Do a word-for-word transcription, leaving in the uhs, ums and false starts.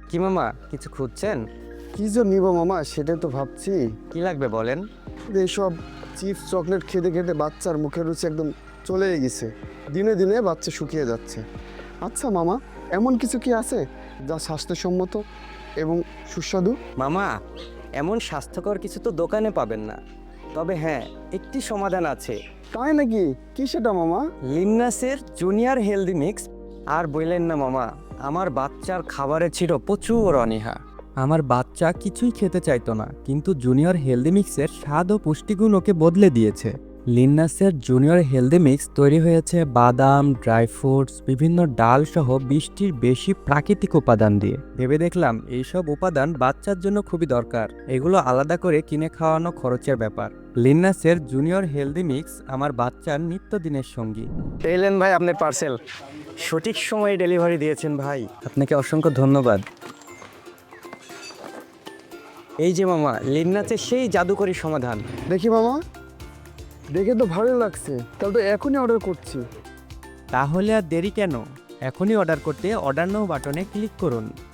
কি মামা, কিছু খুঁজছেন? কি যে নিব মামা সেটাই তো ভাবছি। কি লাগবে বলেন। এইসব চিপস চকলেট খেতে খেতে বাচ্চার মুখের রুচি একদম চলেই গেছে। দিনে দিনে বাচ্চা শুকিয়ে যাচ্ছে। আচ্ছা মামা, এমন কিছু কি আছে যা স্বাস্থ্যসম্মত এবং সুস্বাদু? মামা, এমন স্বাস্থ্যকর কিছু তো দোকানে পাবেন না, তবে হ্যাঁ, একটি সমাধান আছে। তাই নাকি? কি সেটা মামা? লিন্নাসের জুনিয়র হেলদি মিক্স। আর বললেন না মামা, আমার বাচ্চার খাবারে ছিল প্রচুর অনীহা। আমার বাচ্চা কিছুই খেতে চাইতো না, কিন্তু জুনিয়র হেলদি মিক্সের স্বাদ ও পুষ্টিগুণ ওকে বদলে দিয়েছে। লিন্নাসের জুনিয়র হেলদি মিক্স তৈরি হয়েছে বাদাম, ড্রাই ফ্রুটস, বিভিন্ন ডাল সহ বিশটির বেশি প্রাকৃতিক উপাদান দিয়ে। ভেবে দেখলাম এইসব উপাদান বাচ্চার জন্য খুবই দরকার। এগুলো আলাদা করে কিনে খাওয়ানো খরচের ব্যাপার। লিন্নাসের জুনিয়র হেলদি মিক্স আমার বাচ্চার নিত্যদিনের সঙ্গী। এলেন ভাই আপনার পার্সেল, সঠিক সময়ে ডেলিভারি দিয়েছেন ভাই, আপনাকে অসংখ্য ধন্যবাদ। এই যে মামা, লিন্নাসের সেই জাদুকরী সমাধান। দেখি মামা, দেখে তো ভালো লাগছে, তাহলে তো এখনই অর্ডার করছি। তাহলে আর দেরি কেন? এখনই অর্ডার করতে অর্ডার নাও বাটনে ক্লিক করুন।